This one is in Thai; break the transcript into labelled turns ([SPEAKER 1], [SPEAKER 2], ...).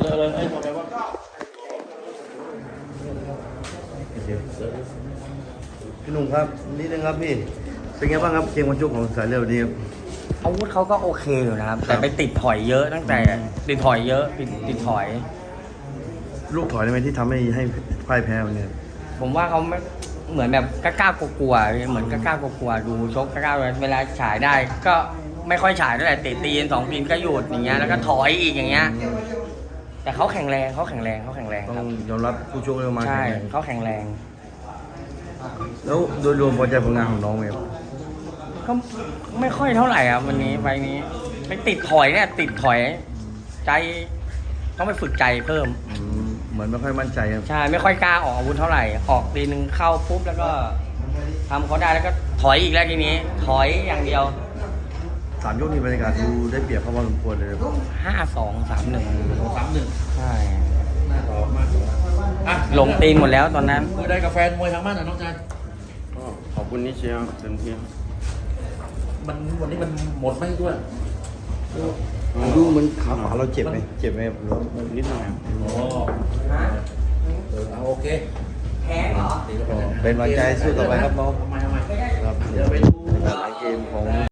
[SPEAKER 1] เลยไอ้ทำไมวะพี่หนุ่มครับนิดนึงครับพี่เป็นไงบ้างครับเกมวันชุกของสายเลือดนี้ครับ
[SPEAKER 2] อาวุธเขาก็โอเคอยู่นะครับ แต่ไปติดถอยเยอะตั้งแต่ติดถอยเยอะติดถอย
[SPEAKER 1] ลูกถอยได้ไหมที่ทำให้พ่ายแพ้วันนี้
[SPEAKER 2] ผมว่าเขาไม่เหมือนแบบกล้ากลัวๆเหมือนกล้ากลัวๆดูชกกล้าๆเวลาฉายได้ก็ไม่ค่อยฉายเท่าไหร่เตะตีน2 ปีนก็หยุดอย่างเงี้ยแล้วก็ถอยอีกอย่างเงี้ยแต่เขาแข็งแรงค
[SPEAKER 1] ต้
[SPEAKER 2] รั
[SPEAKER 1] อบ งยอมรับผู้ชกเร็วมา
[SPEAKER 2] ใช่
[SPEAKER 1] แข็งแรง
[SPEAKER 2] เขาแข็งแรง
[SPEAKER 1] แล้วโดยรวมพอใจผลงานของน้องไหมครับ
[SPEAKER 2] ก็ไม่ค่อยเท่าไหร่ครับวันนี้ไฟล์นี้ไปติดถอยเนี่ยติดถอยใจต้องไปฝึกใจเพิ่ม
[SPEAKER 1] เหมือนไม่ค่อยมั่นใจครับ
[SPEAKER 2] ใช่ไม่ค่อยกล้าออกอาวุธเท่าไหร่ออกตีนึงเข้าปุ๊บแล้วก็ทำเขาได้แล้วก็ถอยอีกแล้วทีนี้ถอยอย่างเดียว
[SPEAKER 1] 3 ยกนี้บรรยากาศดูได้เปรียบเขาพอสมควรเลยครับ
[SPEAKER 2] 5-2 3-1
[SPEAKER 3] 3-1
[SPEAKER 2] ใช่
[SPEAKER 3] น่าต่อมากอ่ะ
[SPEAKER 2] ลงตีนหมดแล้วตอนนั้น
[SPEAKER 3] คุยได้กับแฟนมวยทางบ้านหน่อยน้องชาย
[SPEAKER 1] ก็ขอบคุณที่เชียร์เต็มที่ครับ
[SPEAKER 3] วันนี้มันหมดไหมด้วย
[SPEAKER 1] ดูเหมันขาขวาเราเจ็บไหมเจ็บไหมหรือว่านิดหน่อยครับ
[SPEAKER 3] อ๋อเอาโอเค
[SPEAKER 2] แพ้เหรอ
[SPEAKER 1] เป็นกำลังใจสู้ต่อไปครับน้อง
[SPEAKER 3] ทำไม
[SPEAKER 1] ครับ
[SPEAKER 3] เดี๋ยวไปดู
[SPEAKER 1] หลายเกมของ